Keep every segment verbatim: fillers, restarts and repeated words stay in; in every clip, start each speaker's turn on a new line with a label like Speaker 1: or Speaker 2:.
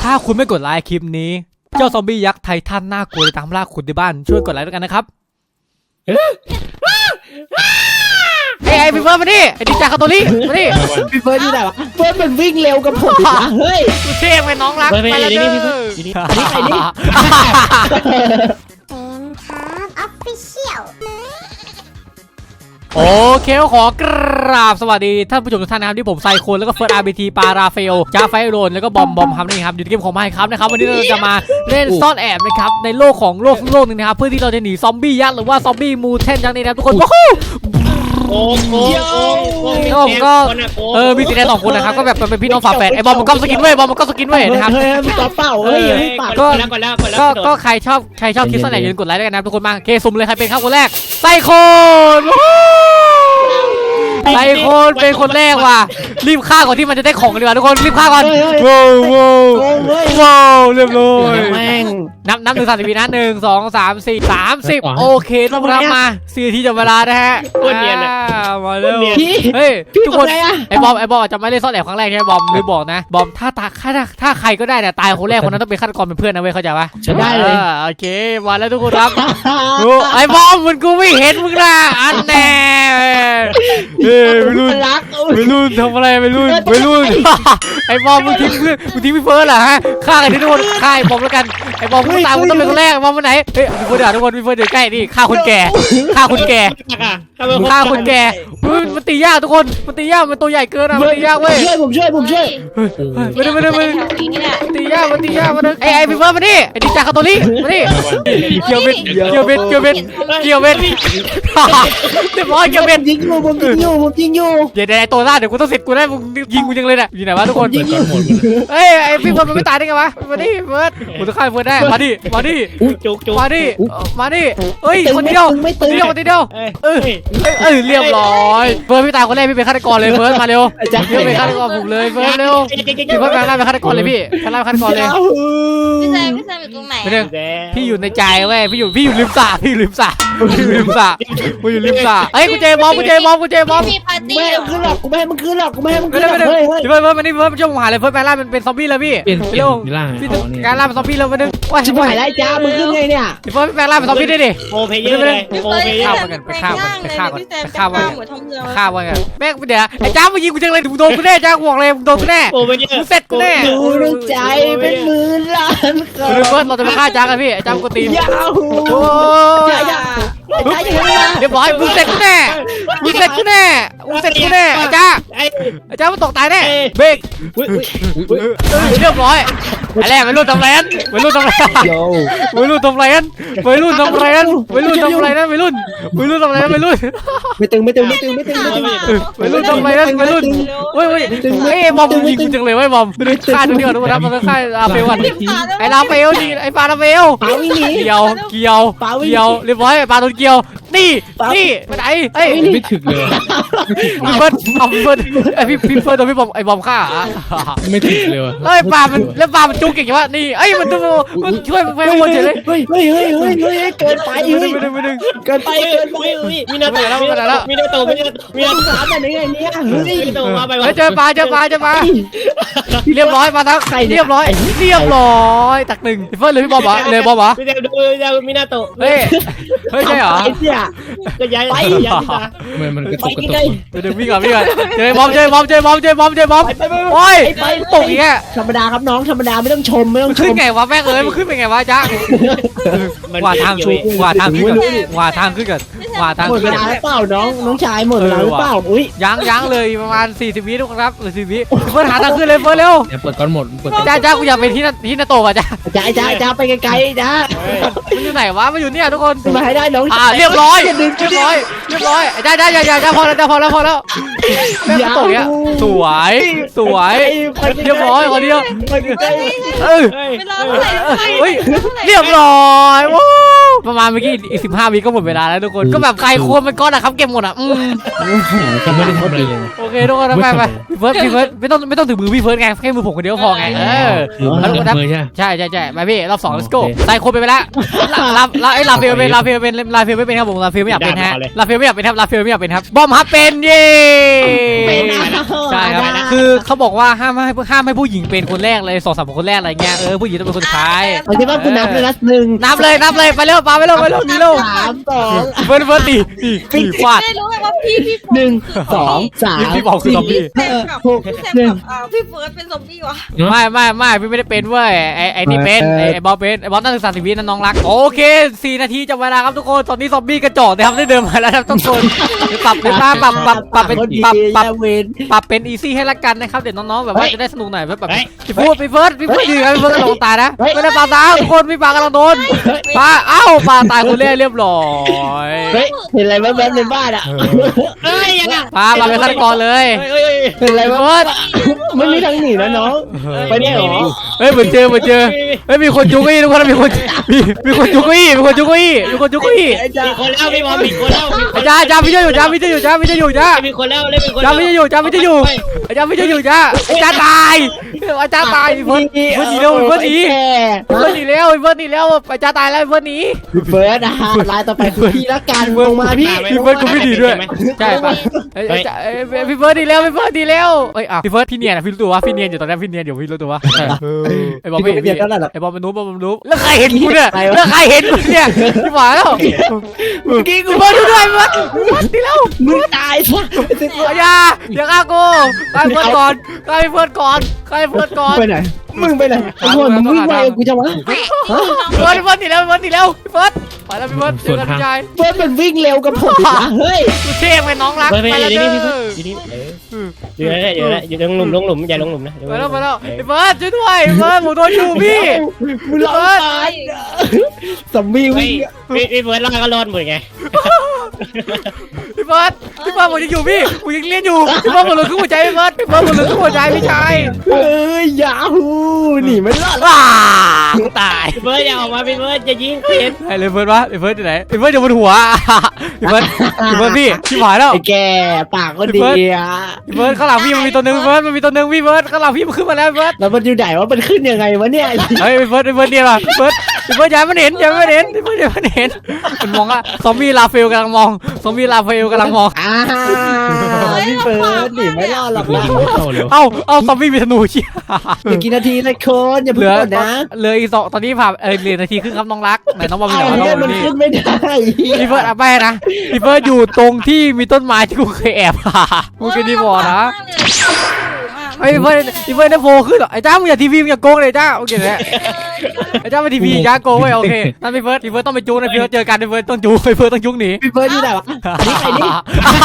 Speaker 1: ถ้าคุณไม่กดไลค์คลิปนี้เจ้าซอมบี้ยักษ์ไททันน่ากลัวจะตามล่าคุณในบ้านช่วยกดไลค์ด้วยกันนะครับเฮ้ยไอ้พี่เฟิร์สมาดิไอ้ดิจ่าคาโตลิมาดิ
Speaker 2: พี่เฟิร์สอยู่ไหนวะเฟิร์สมันวิ่งเร็วกับผมอีกนะเฮ้ย
Speaker 1: เท่ไปน้องรักไปแล้วเด้อ
Speaker 2: นี่นี่นี่
Speaker 3: เป็นครับออฟฟิเชียล
Speaker 1: โอเคขอกราบสวัสดีท่านผู้ชมทุกท่านนะครับที่ผมไซโคนแล้วก็เฟิร์สอาร์บีทีปาราเฟลจ้าไฟโรนแล้วก็บอมบอมครับนี่ครับอยู่ในเกมของไมค์ครับนะครับวันนี้เราจะมาเล่นซ่อนแอบนะครับในโลกของโลกโลกนึงนะครับเพื่อที่เราจะหนีซอมบี้ยักษ์หรือว่าซอมบี้มูเทนยักษ์นี่นะทุกคนว้าว
Speaker 4: โอ้โห
Speaker 1: แล้วผมก็เออมีสีแดงสองคนนะครับก็แบบเป็นพี่น้องฝาแฝดไอ้บอมมันก็สกินเว้ยบอมมันก็สกินเว้ยนะครับ
Speaker 2: เฮ้ยมีตัวเป้าเฮ้ย
Speaker 4: ก็แล้วก็แล้ว
Speaker 1: ก็ก็ใครชอบใครชอบคลิปซ่อนแอบอย่าลืมกดไลค์ด้วยกันนะทุกคนมาเคสุ่มเลยใครเป็นครับคนแรกไซโคนไซโคนเป็นคนแรกว่ะรีบฆ่าก่อนที่มันจะได้ของกันดีกว่าทุกคนรีบฆ่าก่อนว้าวว้าวว้าวเรียบร้อย
Speaker 2: แม่ง
Speaker 1: นับนับหนึ่งสามสิบวินะหนึ่งสองสามสี่สามสิบโอเคทุกคนมาสี่นาทีจะเวลานะฮะมาเร็วเฮ้ยทุกคนไอ้บอมไอ้บอมจะไม่เล่นซ่อนแอบครั้งแรกใช่ไหมบอมหรือบอกนะบอมถ้าตาถ้าถ้าใครก็ได้เนี่ยตายคนแรกคนนั้นต้องเป็นฆาตกรเป็นเพื่อนนะเว้ยเข้าใจปะ
Speaker 2: ฉันได้เลย
Speaker 1: โอเคมาแล้วทุกคนครับไอ้บอมมันกูไม่เห็นมึงนะอันแน่เฮ้ยไม่รู้ไม่รู้ทำอะไรไม่รู้ไม่รู้ไอ้บอมมึงทิ้งเพื่อนมึงทิ้งพี่เฟิร์สเหรอฮะฆ่ากันที่ทุกคนฆ่าไอ้บอมแล้วกันไอ้บอมมึงตายมึงต้องเป็นคนแรกบอมมาไหนเฮ้ยพี่เฟิร์สเดี๋ยวทุกคนพี่เฟิร์สเดี๋ยวใกล้นี่ฆ่าคนแก่ฆ่าคนแก่ฆ่าคนแก่มันตียากทุกคนมันตียากมันตัวใหญ่เกินอะมันตียากเว้ย
Speaker 2: ช่วยผมช่วยผมช่วย
Speaker 1: ไม่ได้ไม่ได้ไม่ได้ตียากมันตียากมันไอ้ไอ้พี่เฟิร์สมาดิไอ้ดิจ่าคาโตลิมาดิเกี่ยวเบ็ดเกี่ยวเบ็ดเกี่ยวเบ็ดเกี่ยวเบ็ดเรียบร้อยเกี่ยวเบ็ด
Speaker 2: ยิงอยู่ผมยิงอยู่ผมยิงอยู่
Speaker 1: เดี๋ยวไอ้ตัวล่าเดี๋ยวกูต้องเสร็จกูได้มึงยิงกูยังเลยน่ะอยู่ไหนวะทุกคนเฮ้ยไอ้พี่เฟิร์สมันไม่ตายได้ไงวะมาดิเฟิร์สกูต้องฆ่าเฟิร์สได้มาดิมาดิ
Speaker 4: จุกจุก
Speaker 1: มาดิมาดิเฮ้ยคนเดียวคนเดียวคนเดียวเออเออเรียบร้อยเฟิร์สพี่ตายคนแรกพี่เป็นฆาตกรเลยเฟิร์สมาเร็วพี่เป็นฆาตกรผมเลยเฟิร์สเร็วพี่เฟิร์สแปลงร่างเป็นฆาตกรเลยพี่แปลงร่างเป็นฆาตกรเลย
Speaker 3: พี่แซมพี่แซมอยู่ตรงไหน
Speaker 1: พี่อยู่ในใจเว้ยพี่อยู่พี่อยู่ริมสระพี่อยู่ริมสระพี่อยู่ริมสระพี่อยู่ริมสระเฮ้ยกูเจมอมกูเจมอมกูเจมอม
Speaker 2: ไม่ให้มันขึ้นหรอกกูไม่ให้มันขึ้นหรอกกูไม่ให้มันขึ้นหรอก
Speaker 1: เฮ้ยเฮ้ยเฟิร์สเฟิร์สมานี่เฟิร์สมาช่วยผมหาเลยเฟิร์สแปลงร่างเป็นเป็นซอมบี้เลยพี่เร็วพี่การร่างเป็นซอมบี้เลยมาดึง
Speaker 2: ว่าชิบหายแล้วจ้ามึงขึ้นไงเนี่ย
Speaker 1: เฟิร์สแปลงร่างเป็นซอมบี้ได้ดิ
Speaker 4: โอเพย์เลยโอเพย์
Speaker 1: ฆ่ามันกันไปฆ่ามันไปฆ่ามันไปฆ่ามันฆ่ามันกันแม่งเดี๋ยวไอ้จ้ามายิงกูจังเลยกูโดนกูแน่จ้าห่วงเลยโดนกูแน่กูเสร็จกูแน่
Speaker 2: ดูในใจเป็นหมื่นล้าน
Speaker 1: คนเฟิร์สเราจะมาฆ่าจ้ากันพี่ไอ้จ้ากูตี
Speaker 2: ยาวโอ้ย
Speaker 1: เรียบร้อยกูเสร็จกูแน่กูเสร็จกูแน่กูเสร็จกูแน่ไอ้จ้าไอ้จ้ามันตกตายแน่เบรกเรียบร้อยไอ้แรกไม่รู้ทำไรนั่นไม่รู้ทำไรไม่รู้ทำไรนั่นไม่รู้ทำไรนั่นไม่รู้ทำไรนั่นไม่รู้ไม่รู้ทำไรนั่นไม่รู้
Speaker 2: ไม่ตึงไม่ตึงไม่ตึงไม่ตึง
Speaker 1: ไม่รู้ทำไรนั่นไม่รู้เฮ้ยเฮ้ยเฮ้ยบอมยิงกูจังเลยเว้ยบอมฆ่าตัวเดียวนะมันฆ่าลาเฟลกันไอ้ลาเฟลนี่ไอ้ปลาลาเฟลเกี่ยวเกี่ยวเกี่ยวเรียบร้อยปลาโดนเกี่ยวนี่นี่ไปไหนเอ้ย
Speaker 5: ไม่ถึกเลย
Speaker 1: พี่เฟิร์สเอาพี่เฟิร์สไอพี่พี่เฟิร์สโดนพี่บอมไอบอมฆ่า
Speaker 5: ไม่ถึกเลยว่ะ
Speaker 1: เฮ้ยปลามันแล้วปลามันจุกเก่งจังวะนี่เอ้ยมันตัวมันช่วยมันไปวนเฉยเลย
Speaker 2: เฮ้ยเฮ้ยเฮ้ยเฮ้ยเฮ้ยเกินไปเฮ้ย
Speaker 1: ไม่ดึงไม่ดึง
Speaker 2: เกินไปเกินไป
Speaker 4: มีนาโตแล้วมีนาโตมีนาโตมีนามีนาโต
Speaker 2: สามแบบนี้ไงเนี่ยเฮ้ย
Speaker 4: มาไป
Speaker 1: เจอปลาเจอปลาเจอปลาเรียบร้อยมาทั้งไข่เรียบร้อยเรียบร้อยตักหนึ่งพี่เฟิร์สเลยพี่บอมเหรอเลยบอมเหรอ
Speaker 4: ไม่ได้ดูยาวมีนาโต
Speaker 1: เฮ้ยเฮ้ยใช่เหรอ
Speaker 4: ก็ย้ายไปย้ายมา
Speaker 5: มันมันกระตุกกระตุก
Speaker 1: เดี๋ยววิ่งก่อนวิ่งก่อนเจอบอมเจอบอมเจอบอมเจอบอมเจอบอมโอ้ยตกอีกแค่
Speaker 2: ธรรมดาครับน้องธรรมดาไม่ต้องชมไม่ต้องชม
Speaker 1: ขึ้นไงวะแม่งเอ้ยมันขึ้นเป็นไงวะจ๊ะว่าทางชูว่าทางขึ้นก่อนว่าทางขึ้นก่อนว่าทาง
Speaker 2: หมดเวลาหรือเปล่าน้องน้องชายหมดเวลาหรือเปล่าอุ้ย
Speaker 1: ยังยังเลยประมาณสี่สิบวิทุกคนครับสี่สิบวิเฟิร์สหาทางขึ้นเลยเฟิร์สเร็ว
Speaker 5: เดี๋ยวเปิดก้อนหมดเปิด
Speaker 1: จ้าจ้ากูอยากไปที่ที่นาโตะจ้า
Speaker 2: จ้าจ้าจ้าไปไกลๆจ้า
Speaker 1: มันอยู่ไหนวะมันอยู่เนี่ยทุกคน
Speaker 2: มาให้ได้น้อง
Speaker 1: อ่าเรียบร้อยเรียบร้อยเรียบร้อยจ้าจ้าจ้าจ้าจ้าพอแล้วจ้าพอแล้วพอแล้วแม่งตกเนี่ยสวยสวยเรียบร้อยคนเดียวเออเฮ้ยเรียบร้อยว้าวประมาณเมื่อกี้อีกสิบห้าวิก็หมดเวลาแล้วทุกคนก็แบบใครควรมันก้อนอะครับเก็บหมดอะอืม
Speaker 5: เขาไม่ได้ทำอะไรเลย
Speaker 1: โอเคทุกคนไปไปพี่เฟิร์สพี่เฟิร์สไม่ต้องไม่ต้องถึงมือพี่เฟิร์สไงแค่มือผมคนเดียวพอไงเออใช่ใช่ใช่ไปพี่รอบสอง let's go ใส่โคไปไปแล้วลาลาไอ้ลาเฟลเป็นลาเฟลเป็นลาเฟลไม่เป็นครับผมลาเฟลไม่อยากเป็นฮะลาเฟลไม่อยากเป็นครับลาเฟลไม่อยากเป็นครับบอมฮับเป็นเย่
Speaker 2: เป็นนะ
Speaker 1: ใช่ครับคือเขาบอกว่าห้ามให้ห้ามให้ผู้หญิงเป็นคนแรกเลยสองสามคนแรกอะไรเงี้ยเออผู้หญิงต้องเป็นคนสุดท้าย
Speaker 2: เอาที่ว่ากูนับเลยนะหนึ่ง
Speaker 1: นับเลยนับเลยไปเร็วปาไปเร็วไปเร็วนี่เร็ว
Speaker 2: สามสอง
Speaker 1: เฟิร์นเฟิร์นตีตีตีฟาด
Speaker 3: ไม่รู้ไงว่าพี่พี่
Speaker 2: หนึ่งสองสาม
Speaker 1: พี่บอกคือซอมบี้
Speaker 3: แซมกับ
Speaker 2: หก
Speaker 3: พี่แซม
Speaker 2: หนึ่ง
Speaker 3: กับอ่าพี่เฟิร์สเป็นซอมบี้วะ
Speaker 1: ไม่ไม่ไม่พี่ไม่ได้เป็นเว้ยไอไอนี่เป็นไอไอบอลเป็นไอบอลตั้งศึกษาสิบวินั่นน้องรักโอเคสี่นาทีจะเวลาครับทุกคนตอนนี้ซอมบี้กระจอกนะครับได้เดินมาแล้วครับทุกคนปรับเป็นปรับปรับปรับปรับเป็นปรับปรับ
Speaker 2: เวน
Speaker 1: ปรับเป็นอีซี่ให้ละกันนะครับเดี๋ยวน้องๆแบบว่าจะได้สนุกหน่อยแบบพี่พูดพี่เฟิร์สพี่พูดดีครับพี่เฟิร์สกำลังตายนะไม่ได้ปลาตายทุกคนพี่ปลากำลังโดนปลาเอ้าปลาตายคนแรกเรียบร้อย
Speaker 2: เฮ้ยเห็นอะไรแว๊บๆในบ้านอ่ะ
Speaker 4: เอ้ยยังไง
Speaker 1: ปลาปลาเป็นฆาตกรเลย
Speaker 4: เฮ้ยเฮ้ย
Speaker 2: เห็นอะไร
Speaker 1: พี่
Speaker 2: แว๊
Speaker 1: เฟิร์
Speaker 2: บ
Speaker 1: ส
Speaker 2: ๆไม่มีทางหนีนะน้อง ไปได้เหรอ
Speaker 1: เฮ้ยเหมือนเจอเหมือนเจอเฮ้ยมีคนจุกอี้ทุกคนมีคนมีมีคนจุกอี้มีคนจุกอี้มีคนจุกอี้
Speaker 2: ไอ้จ้า
Speaker 4: มีคนแล้วพี่บอลมีคนแล้ว
Speaker 1: อาจารย์อาจารย์พี่จะอยู่อาจารย์พี่จะอยู่อาจารย์พี่จะอยู่อาจารย์
Speaker 4: มีคนแล้วเล่นมีคน
Speaker 1: อาจารย์พี่จะอยู่อาจารย์พี่จะอยู่อาจารย์พี่จะอยู่อาจารย์อาจารย์ตายอาจารย์ตายพี่เฟิร์สพี่เฟิร์สหนีเร็วพี่เฟิร์สหนีพี่เฟิร์สหนีเร็วพี่เฟิร์สหนีเร็วอาจารย์ตายแล้วพี่เฟิร์สหนี
Speaker 2: พี่เฟิร์สนะฮะลายต่อไปคือพี่ละกันลงมาพี่
Speaker 1: พี่เฟิร์สกูไม่ดีด้วยใช่ปะเอ้ยเอ้ยเอ้ยพี่เฟิร์สดีแล้วพี่เฟิร์สดีแล้วเอ้ยอ่ะพี่เฟิร์สพี่เนียนอะพี่รู้ตัววะพี่เนียนอยู่ตอนนี้พี่เนียนอยู่พี่รู้ตัววะไอ้บอลไม่เห็น
Speaker 2: เบียดเท่านั้นหรอ
Speaker 1: ไอ้บอลมันรู้บอลมันรู้แล้วใครเห็นกูเนี่ยแล้วใครเห็นกูเนี่ยพี่หวานแล้ว
Speaker 2: เมื่อกี้กู
Speaker 1: พี่เฟิร์สดูด้วยพี่เฟิร์สพี่เฟิร์สดีแล้ว
Speaker 2: มึงตายซะ
Speaker 1: อย่าอย่าฆ่ากูฆ่าพี่เฟิร์สก่อนฆ่าพี่เฟิร์สก่อนฆ่าพี่เฟิร์สก่อน
Speaker 2: ไปไหนมึงไปไหนโอ้โหมึงวิ่งไปกูจะวะ
Speaker 1: พี่เฟิร์สพี่เฟิร์สดีแล้วพี่เฟิร์สดีแล้วพี่เฟิร์สไปแล้วพี่เฟิร์สเจอกันพี่ชาย
Speaker 2: เฟิร์สมันวิ่งเร็วกับผมนะเฮ้ย
Speaker 1: กูเทพไปน้องรัก
Speaker 4: ไปไป
Speaker 1: ไปแล้ว
Speaker 4: อยู่
Speaker 1: เด้
Speaker 4: นี่
Speaker 1: อ
Speaker 4: พี่อยู่นี่อยู่นั่นแหละอยู่นั่นแหละอยู่ตรงหลุมลงหลุมอย่าลงหลุมนะ
Speaker 1: ไปแล้วไปแล้วพี่เฟิร์สช่วยด้วยพี่เฟิร์สผมโดนอยู่พี่
Speaker 2: มึงรอดตายสมบี้
Speaker 4: ไม่
Speaker 2: วิ่ง
Speaker 4: พี่เฟิร์สรอดก็รอดหมดไง
Speaker 1: พี่เฟิร์สพี่เฟิร์สผมยังอยู่พี่ผมยังเรียนอยู่พี่เฟิร์สผมเหลือครึ่งหัวใจพี่เฟิร์สพี่เฟิร์สผมเหลือครึ่งหัวใจพี่ชาย
Speaker 2: เอ้ยยาฮูหนีไม่รอด
Speaker 1: ว้าตาย
Speaker 4: พี่เฟิร์สอย่าออกมาพี่เฟิร์สจะยิงเพี้ยน
Speaker 1: ไอ้เลยเฟิร์สวะไอ้เฟิร์สที่ไหนไอ้เฟิร์สอยู่บนหัวพี่เฟิร์สพี่เฟิร์สพี่พี่หายแล้ว
Speaker 2: ไอ้แกปากก็ดีอ่ะ
Speaker 1: พี่เฟิร์สข้างหลังพี่มันมีตัวหนึ่งพี่เฟิร์สมันมีตัวหนึ่งพี่เฟิร์สข้างหลังพี่มันขึ้นมาแล้วพี่เฟิร์ส
Speaker 2: แล้วมันอยู่ไหนว่ามันขึ้นยังไงวะเนี่ย
Speaker 1: เฮ้ยพี่เฟิร์สพี่เฟิร์สเนี่ยว่ะพี่เฟิร์สพี่เฟิร์สอย่าให้มันเห็นอย่าให้มันเห็นพี่เฟิร์สอย่าให้มันเห็นมันมองอะซอมบี้ลาเฟลกำลังมองซอมบี้ลาเฟลกำลังมอง
Speaker 2: อ้าวพี่เฟิร์สหนีไม่รอดหรอกนะ
Speaker 5: เข้าเร็ว
Speaker 1: เอ้าเอ้าซอมบี้มีธนูเชี่ย
Speaker 2: อีกกี่นาทีเลยคนอย่า
Speaker 1: เห
Speaker 2: เพิ่
Speaker 1: ลื
Speaker 2: ง
Speaker 1: อก
Speaker 2: ดนะ
Speaker 1: เหลืออีกสองตอนนี้ผ่านเออเหลือนาทีครึ่งครับน้องรักไหนน้องบอลมี
Speaker 2: เอา
Speaker 1: ไหนน้อง
Speaker 2: เนี่ย
Speaker 1: บอ
Speaker 2: มั
Speaker 1: ล
Speaker 2: น
Speaker 1: นี่
Speaker 2: ขึ้นไม่ได้
Speaker 1: พี่เฟิร์สเอาไปนะพี่เฟิร์สอยู่ตรงที่มีต้นไม้ที่กูเคยแอบกูเคยดีบอกนะไอ้พี่เฟิร์สพี่เฟิร์สได้โฟขึ้นเหรอไอ้จ้ามึงอย่าทีวีมึงอย่าโกงเลยจ้าโอเคเลยไอ้จ้ามาทีวีจ้าโกงไว้โอเคนั่นพี่เฟิร์สพี่เฟิร์สต้องไปจูงนะพี่เฟิร์สเจอกันพี่เฟิร์สต้องจูงพี่เฟิร์สต้องยุงหนี
Speaker 2: พี่เฟิร์สอยู่ไหนวะนี่ใครนี่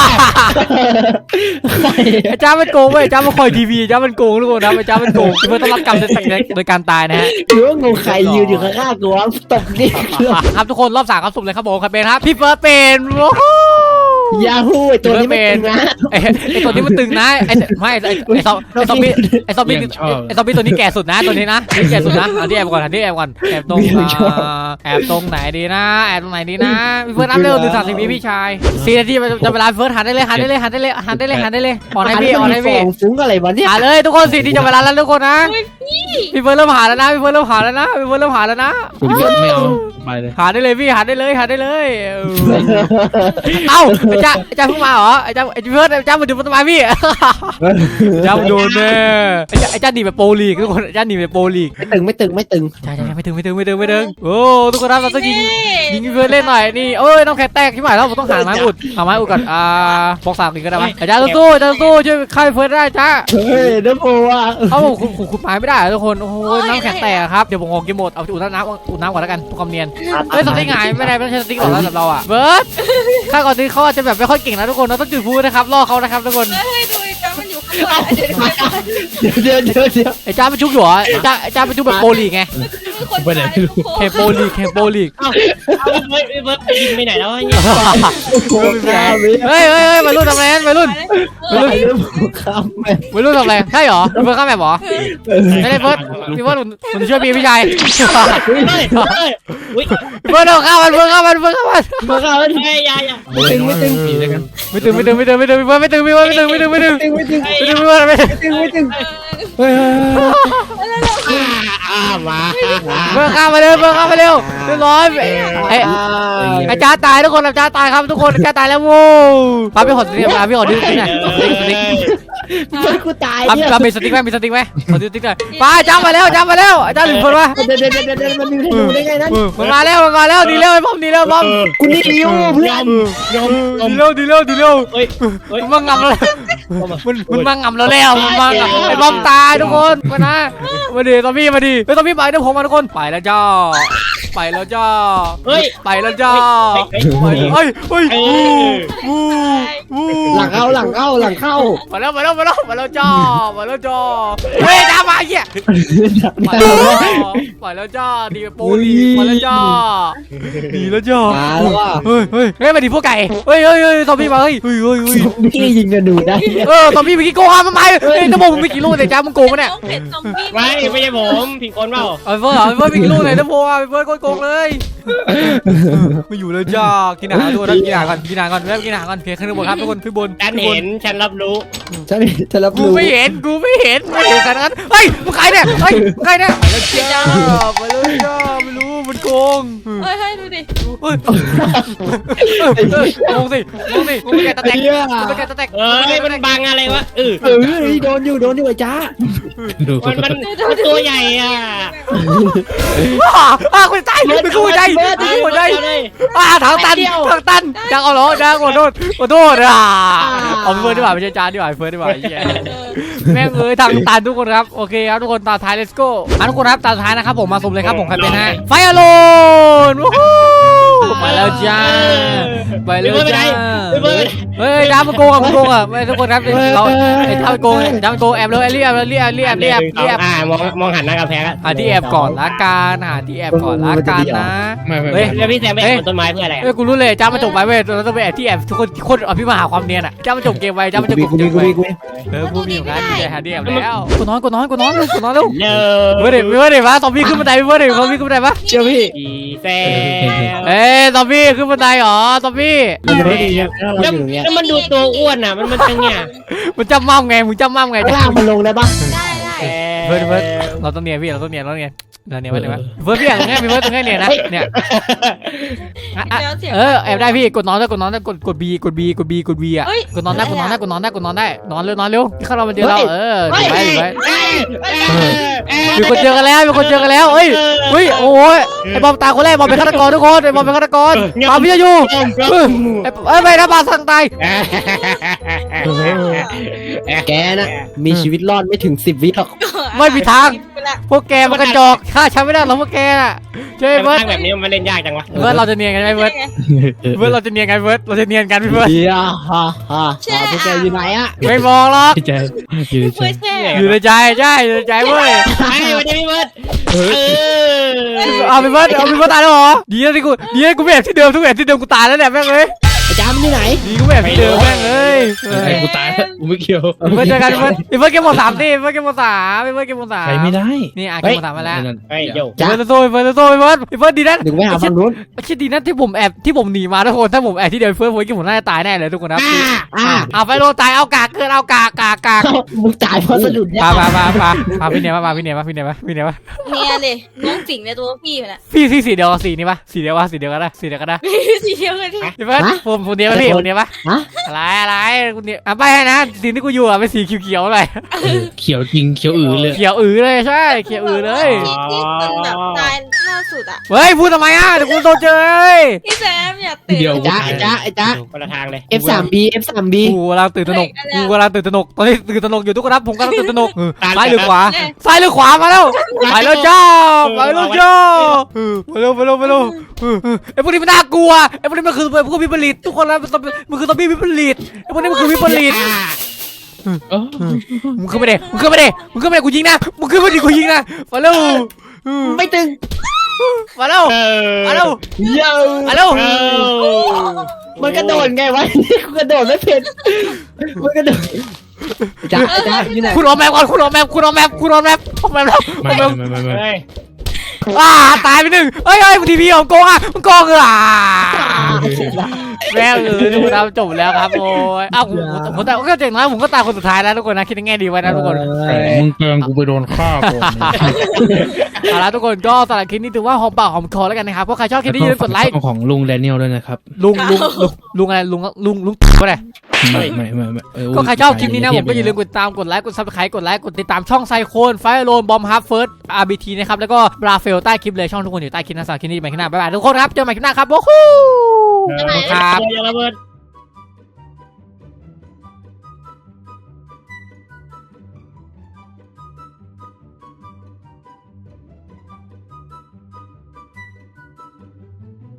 Speaker 1: ไอ้จ้ามันโกงเว้ยจ้ามันคอยทีวีจ้ามันโกงทุกคนนะไอ้จ้ามันโกงพี่เฟิร์สต้องรับกรรมโดยการตายนะฮะ
Speaker 2: หรือว่างงใครยืนอยู่ข้างๆกูวะตบนี่
Speaker 1: ครับทุกคนรอบสามครับสุ่มเลยครับผมใครเป็นครับพี่เฟิร์สเป็นโอ้โห
Speaker 2: ยาฮูไอตัวนี้ไม่ตึงนะ
Speaker 1: ไอ้ไอ้ตัวนี้มันตึงนะไอ้ไม่ไอ้ไอ้ซอมไอ้ซอมบี้ไอ้ซอมบี้ไอ้ซอมบี้ตัวนี้แก่สุดนะตัวนี้นะนี่แก่สุดนะเอาที่แอบก่อนเอาที่แอบก่อนแอบตรงแอบตรงไหนดีนะแอบตรงไหนดีนะพี่เฟิร์สนับเร็วหนึ่งสามสิบวิพี่ชายสี่นาทีจะเวลาเฟิร์สหันได้เลยหันได้เลยหันได้เลยหันได้เลยหันได้เลยอ่อนให้พี่อ่อนให้พี่
Speaker 2: ฟุ้งอะไรวะเนี่ย
Speaker 1: หาเลยทุกคนสี่นาทีจะเวลาแล้วทุกคนนะพี่เฟิร์สเริ่มหาแล้วนะพี่เฟิร์สเริ่มหาแล้วนะพี่เฟิร์สเริ่มหาแล้วนะ
Speaker 5: ผมไม่เอาไปเลย
Speaker 1: หาได้เลยพี่หาได้เลยหาได้เลยเอ้าไอ้จ้าไอ้จ้าเพิ่งมาเหรอไอ้จ้าไอ้เฟิร์สไอ้จ้ามาดูมันทำไมพี่จ้ามาดูแน่ไอ้จ้าไอ้จ้าหนีแบบโปรลีกทุกคนไอ้จ้าหนีแบบโปรลีก
Speaker 2: ไม่ตึงไม่ตึงไม่ตึง
Speaker 1: ใช่ใช่ไม่ถึงไม่ถึงไม่ถึงไม่ถึงโอ้ทุกคนครับเราต้องยิงยิงพี่เฟิร์สเล่นหน่อยนี่เอ้ยน้องแคทแตกที่หมายแล้วผมต้องหาไม้อุดหาไม้อุดก่อนอ่าบอกสามอีกก็ได้ไหมไอ้จ้าสู้ๆจ้าสู้ช่วยฆ่าพี่เฟิร์สได้จ้า
Speaker 2: เฮ้ยน้ำโมอ่ะ
Speaker 1: เอ้าผมขุดขุดไม้ไม่ได้ทุกคนโอ้โหน้ำแข็งแตกครับเดี๋ยวผมขอกินหมดเอาอุดน้ำอุดน้ำก่อนแล้วกันทุกความเนียนเฮ้ยสติ๊กหายไม่ได้ไม่ใช่สติ๊กหรอกสำหรับเราอ่ะเบิร์ดข้าก่อนนี้เขาอาจจะแบบไม่ค่อยเก่งนะทุกคนเราต้องจุดพูนะครับล่อเขานะครับทุกคน
Speaker 3: เฮ้ยดูจ้ามันอยู่ข้างหลังเดี๋ยว
Speaker 2: เดี๋ยวเดี๋ยวเดี๋ยว
Speaker 1: ไอ้จ้ามันชุกอยู่เหรอไอ้จ้าไอ้จ้ามันชุกแบบโปรลีกไง
Speaker 5: ไปไหนไม่รู้
Speaker 1: เคโปรลีกเคโปรลีก
Speaker 4: เอ้าพี่เฟิร์สพี่เฟิร์สยิงไปไหนแล้วเนี่ย
Speaker 2: โอ้ยาวิ
Speaker 1: เฮ้ยเฮ้ยเฮ้ยวัยรุ่นทำอะไรวัยรุ่น
Speaker 2: เฮ้ยครับแม่
Speaker 1: วัยรุ่นทำอะไรใช่เหรอพี่เฟิร์สข้ามแบบเหรอไม่ได้เฟิร์สพี่เฟิร์สผมช่วยพี่พี่ชาย
Speaker 4: เฮ้ยเฮ้ยอุ้ย
Speaker 1: พี่เฟิร์สเอาข้ามมันเฟิร์สข้ามมันเฟิร์สข้ามมัน
Speaker 2: มาครับ
Speaker 4: เฮ้ยยายา
Speaker 5: ไม่ตึงไม่ตึงผีด้วยกัน
Speaker 1: ไม่ตึงไม่ตึงไม่ตึงไม่ตึงพี่เฟิร์สไม่ตึงพี่เฟิร์สไม่ตึงไม่ตึงไม่ตึง
Speaker 2: ไม่ตึงไม่ตึง
Speaker 1: ไม่ถึงไม่ถึง
Speaker 2: ไม่ถึงไม่ถึง
Speaker 3: เออ
Speaker 2: เฮ้ย
Speaker 4: อ่ามา
Speaker 1: เบิร์ข้ามมาเร็วเบิร์ข้ามมาเร็วเรียบร้อยไอ้อาจารย์ตายทุกคนอาจารย์ตายครับทุกคนอาจารย์ตายแล้วโว้ป้าพี่ขอสติ๊กป้าพี่ขอดูสติ๊กหน่อยสติ๊กสติ๊ก
Speaker 2: เพื่อนกูตาย
Speaker 1: ป้า
Speaker 2: เนี่ย
Speaker 1: ป้ามีสติ๊กไหมมีสติ๊กไหมขอดูสติ๊กหน่อยป้าอาจารย์มาแล้วอาจารย์มาแล้วอาจารย์หนึ่งคนวะ
Speaker 2: เดี๋ยวเดี๋ยวเดี๋ยวเดี๋ยวมันมีให้ดูได้ไงนั้น
Speaker 1: มันมาแล้วมันมาแล้วดีเร็วไอ้บอมดีเร็วบอม
Speaker 2: กูนี่ริวเพื่อน
Speaker 4: ยอมยอม
Speaker 1: ดีเร็วดีเร็วดีเร็ว
Speaker 4: เฮ้ยเฮ้ย
Speaker 1: มันมางำแล้วมันมันมางำเราแล้วมันมางำไอ้บอมตายทุกคนมานะมาดิตอมบี้มาดิไอ้ตอมบี้ไปเดี๋ยวผมมาทุกคนไปแล้วจ้าไปแล้วจ้า
Speaker 4: เฮ้ย
Speaker 1: ไปแล้วจ้า
Speaker 4: เฮ้ย
Speaker 1: ไปเฮ้ยเฮ้ย
Speaker 4: เอ
Speaker 1: วู
Speaker 4: อ
Speaker 1: วูวู
Speaker 2: หลังเข้าหลังเข้าหลังเข้า
Speaker 1: มาแล้วมาแล้วมาแล้วมาแล้วจ้ามาแล้วจ้าเฮ้ยจ้ามาเหี้ยไป
Speaker 2: เดี๋
Speaker 1: แล้ว
Speaker 2: ยว
Speaker 1: จ้าไปแล้วจ้าดีโปดีมาแล้วจ้าดีแล้วจ้า
Speaker 2: มาแล้วว่ะ
Speaker 1: เฮ้ยเฮ้ยเฮ้ยมาดิพวกไก่เฮ้ยเฮ้ยเฮ้ยตอมบี้มาเฮ้ยเฮ้ยเฮ้ยเฮ้ย
Speaker 2: พี่ยิงกันดูได้
Speaker 1: เออตอมบี้เมื่อกี้โกงอ่ะมันมาเฮ้ยตะโบมึงไม่กี่ลูกเลยจ้ามึงโกงปะเนี่ย
Speaker 3: ต้องเผ็ดซอมบี้
Speaker 4: ไม่ไม่ใช่ผมผิดคนเปล่า
Speaker 1: ไอ้เฟิร์สไอ้เฟิร์สไม่กี่ลูกเลยตะโบอ่ะไอ้เฟิร์สโกงเลยไม่อยู่เลยจ้ากินอาหารด้วยนะกินอาหารก่อนกินอาหารก่อนแล้วกินอาหารก่อนเพียงขึ้นบนครับทุกคนขึ้นบน
Speaker 4: ฉันเห็นฉันรับรู้
Speaker 2: ฉันฉันรับ
Speaker 1: กู
Speaker 2: รู้
Speaker 1: ไม่เห็นกูไม่เห็นไม่เห็นขนาดนั้นเฮ้ยมึงใครเนี่ยเฮ้ยมึงใครเนี่ยไปแล้วจ้าไปแล้วจ้าไม่รู้มันโกง
Speaker 3: เฮ้ยเฮ้ยดูดิ
Speaker 1: เฮ้ยงงสิงงสิงงไปแกตะแตกงงไปแกตะแตก
Speaker 4: เอ้ยมันบังอะไรวะเออ
Speaker 2: เออโดนอยู่โดนอยู่ไอ้จ้า
Speaker 5: ดู
Speaker 4: มันมันมันตัวใหญ่อ่ะ
Speaker 1: อ่าคุณใจเป็นกูใจเป็นกูใจอ่าทางตันทางตันจังเอาเหรอจังขอโทษขอโทษอ่ะเอาเฟิร์นดีกว่าไม่ใช่จานดีกว่าเฟิร์นดีกว่าแม่งเอ้ยทางตันทุกคนครับโอเคครับทุกคนตาท้าย let's go อ่ะทุกคนครับตาท้ายนะครับผมมาสุ่มเลยครับผมใครเป็นฮะไฟอโลนไปแล้วจ้าไปแล้วจ้าเฮ้ยจ้ามันโกงอ่ะมันโกงอ่ะไม่ทุกคนครับเราไอ้จ้ามันโกงจ้ามันโกงแอบเลยเรียบเรียบเรียบเรียบเรียบ
Speaker 4: อ่ามองมองหันหน้ากระแพง
Speaker 1: หาที่แอบก่อนละกันหาที่แอบก่อนละกันนะ
Speaker 5: ไม่ไม่
Speaker 1: เฮ้ย
Speaker 4: แล้วพี่แซมไปแอบบนต้นไม้เพื่ออะไร
Speaker 1: เอ้ยกูรู้เลยจ้ามาจบไว้เว้ยเราต้องไปแอบที่แอบทุกคนโคตรอภิมหาความเนียนอ่ะจ้ามาจบเกมไว้จ้ามาจบ
Speaker 2: กู
Speaker 1: เก
Speaker 2: มี
Speaker 1: ม
Speaker 2: กู
Speaker 1: ไว้
Speaker 2: มีกูมี
Speaker 1: เออพูดมีอยู่นะมีแต่หาที่แอบแล้วกูนอนกูนอนกูนอนกูนอนเร็ว
Speaker 4: เล
Speaker 1: เว้ยเดี๋ยวเว้ยเดี๋ยวมาซอมบี้ขึ้นบันไดเว้ยเดี๋ยวซอมบี้ขึ้นบันไดปะ
Speaker 2: เชื่อพี่
Speaker 4: พี่แซม
Speaker 1: เอ้ยซอมบี้ขึ้นบันไดเหรอซอมบี้
Speaker 2: มันจะไม่ดีเนี่ยเรา
Speaker 4: แล้ว
Speaker 2: อยู่ตรงเนี้ย
Speaker 4: แล้วมันดูตัวอ้วนอ่ะมันมันจังเนี่ย
Speaker 1: มึงจำมั่มไงมึงจำมั่มไง
Speaker 2: ข้างล่างมันลงได้ปะ
Speaker 3: ได้ได้
Speaker 1: เฟิร์สเฟิร์สเราต้องเนียนพี่เราต้องเนียนเราต้องเนียนเราเนียนไว้เลยไหมเฟิร์สพี่อย่างเงี้ยพี่เฟิร์สตรงนี้เนียนนะเนี่ย
Speaker 3: แล้วเสียง
Speaker 1: เออแอบได้พี่กดนอนได้กดนอนได้กดกดบีกดบีกดบีกดบีอ่ะกดนอนได้กดนอนได้กดนอนได้กดนอนได้นอนเร็วนอนเร็วที่เข้าเรามาเจอเราเออดูไว้ดูไว้มีคนเจอกันแล้วมีคนเจอกันแล้วเอ้ยเฮ้ยโอ้ยไอ้บอมตายคนแรกบอมเป็นฆาตกรทุกคนไอ้บอมเป็นฆาตกรปาพี่จะอยู่เอ้ยไม่นะปาสั่งตาย
Speaker 2: แกนะมีชีวิตรอดไม่ถึงสิบวิหรอก
Speaker 1: ไม่มีทางพวกแกมันกระจอกฆ่าฉันไม่ได้หรอกพวกแกน่ะเจ้า
Speaker 4: ไอ้
Speaker 1: เบิร์ด
Speaker 4: แบบนี้มันเล่นยากจังวะ
Speaker 1: เบิร์ดเราจะเนียนกันไหมเบิร์ดเบิร์ดเราจะเนียนกันเบิร์ดเราจะเนียนกันพี่เบิร์ด
Speaker 2: เฮียฮ่าฮ่าพวกแกอยู่ไหนอะ
Speaker 1: ไม่มองหรอก
Speaker 5: พี่ใจอยู่ในใจ
Speaker 3: เพื่อแช่
Speaker 1: อยู่ในใจใช่อยู่ในใจเว้ย
Speaker 4: ไอ้วันนี้พี่เบิร์ดเออ
Speaker 1: เอาพี่เบิร์ดเอาพี่เบิร์ดตายแล้วเหรอดีนะที่กูดีนะกูไม่แอบที่เดิมทุกแอบที่เดิมกูตายแล้วเนี่ยแม่งเลย
Speaker 2: ไอ้จ้ามันอยู่ไหน
Speaker 1: ดีกูไม่แอบที่เดิมแม่งเลย
Speaker 5: ไอ้กูตายแล้วกูไม่เกี่ยว
Speaker 1: พี่เบิร์ดเจอกันพี่เบิร์ดพี่เบิร์ดเกมหมดสามดิพี่เบิร์ดเกมหมดสามพี่เบิร์ดเกมหมดสาม
Speaker 5: ใช้ไม่ได้
Speaker 1: นี่อ่ะเกมหมดสามมาแล้ว
Speaker 4: ไอ้โย
Speaker 1: พี่เบิร์ดโซ่พี่เบิร์ดโซ่พี่เบิร์ดพี่เบิร์ดดีนะ
Speaker 2: หนึ่งไปหาฝั่งนู้น
Speaker 1: คิดดีนะที่ผมแอบที่ผมหนีมาทุกคนถ้าผมแอบที่เดิมเฟิร์สผมคิดผมน่าจะตายแน่เลยทุกคนนะ
Speaker 2: อ่า
Speaker 1: เอาไปโลตายเอากากเกินเอากากกากกาก
Speaker 2: มึงจ่ายเพราะสะดุด
Speaker 1: มามามามามาพี่เนียมามาพี่เนียมาพี่เนียมาพี่เนียมา
Speaker 3: เนี่ยเลยน้องสิงในตัวพี่มันอะ
Speaker 1: พี่สีสีเดียวสีนี่ปะสีเดียววะสีเดียวกันนะสีเดียวกันนะ
Speaker 3: สีเดียวกันที่
Speaker 1: พี่เฟิร์สผมผมเนียปะพี่ผมเนียปะ
Speaker 2: ฮะ
Speaker 1: อะไรอะไรกูเนียอ่ะไปให้นะสีที่กูอยู่อ่ะเป็นสีเขียวๆเลย
Speaker 5: เขียวจริงเขียวอือเลย
Speaker 1: เขียวอือเลยใช่เขียวอือเลย
Speaker 3: ที่ที่มันแบบตายล่าสุดอะ
Speaker 1: เฮ้ยพูดทำไมอ่ะเดี๋ยวกูโดนเจอเอ้ย
Speaker 3: พี่แซมอย่าตื่น
Speaker 5: เดียว
Speaker 2: ไอ้จ้าไอ้จ้าไอ้จ้า
Speaker 4: คนละทางเลย
Speaker 2: เอฟ สาม บี เอฟ สาม บี
Speaker 1: กูกำลังตื่นตระหนกกูกำลังตื่นตระหนกตอนนี้ตื่นตระหนกอยู่ทุกคนครับผมกำลังตื่นตระหนกซ้ายหรือขวาซ้ายหรือขวามาแล้วไปแล้วจ้าไปแล้วจ้าไปเร็วไปเร็วไปเร็วไอ้พวกนี้มันน่ากลัวไอ้พวกนี้มันคือพวกวิปริตทุกคนแล้วมันคือตอมบี้วิปริตไอ้พวกนี้มันคือวิปริต
Speaker 5: เออ
Speaker 1: มึงขึ้นมาเด็มึงขึ้นมาเด็มึงขึ้นมาเด็กูยิงนะมึงขึ้นมาดิกูยิงนะมาเร็ว
Speaker 2: ไม่ตึง
Speaker 1: มาเร็ว
Speaker 4: เออ
Speaker 1: มาเร็ว
Speaker 2: เยอะ
Speaker 1: มาเร็ว
Speaker 4: เออ
Speaker 2: มันกระโดดไงวะนี่กูกระโดดไม่เป็นมันกระโดดจ้าไอ้จ้าอยู่ไหน
Speaker 1: คุณออกแมปก่อนคุณออกแมปคุณออกแมปคุณออกแมปออกแมปแล้ว
Speaker 5: ไม่ไม่ไม่ไม่ไม่
Speaker 4: เฮ้ย
Speaker 1: อ่าตายไปหนึ่งเฮ้ยเฮ้ยทีพีของโกงอ่ะมันโกงอ่ะแม่เออทุกคนครับจบแล้วครับโอ้ยอ้าวผมผมผมแต่ก็เจ๋งนะผมก็ตายคนสุดท้ายแล้วทุกคนนะคิดในแง่ดีไว้นะทุกคน
Speaker 5: มึงเกินกูไปโดนฆ่าก่อน
Speaker 1: เอาละทุกคนก็สำหรับคลิปนี้ถือว่าหอมปากหอมคอแล้วกันนะครับเพราะใครชอบคลิปนี้อย่าลืมกดไลค์
Speaker 5: ของลุงแดเนียลด้วยนะครับ
Speaker 1: ลุงลุงลุงลุงอะไรลุงลุงลุงก็ได้
Speaker 5: ไม่ไม่ไม่ไม่เ
Speaker 1: ก็ใครชอบคลิปนี้นะผมก็อย่าลืมกดติดตามกดไลค์กดซับสไครต์กดไลค์กดติดตามช่องไซโคนไฟโลนบอมฮับเฟิร์สอาร์บีทีนะครับแล้วก็บราเฟลใต้คลิปเลยช่องทุกคนอยู่ใต้คลิปนะสำหรับคลิปนี้ไปคลิปหน้าบ๊ายบายทุกคนครับเจอกันใหม่คลิปหน้าครับโอ้โห
Speaker 4: ครับ
Speaker 1: ครับ
Speaker 4: อย่าระเบิด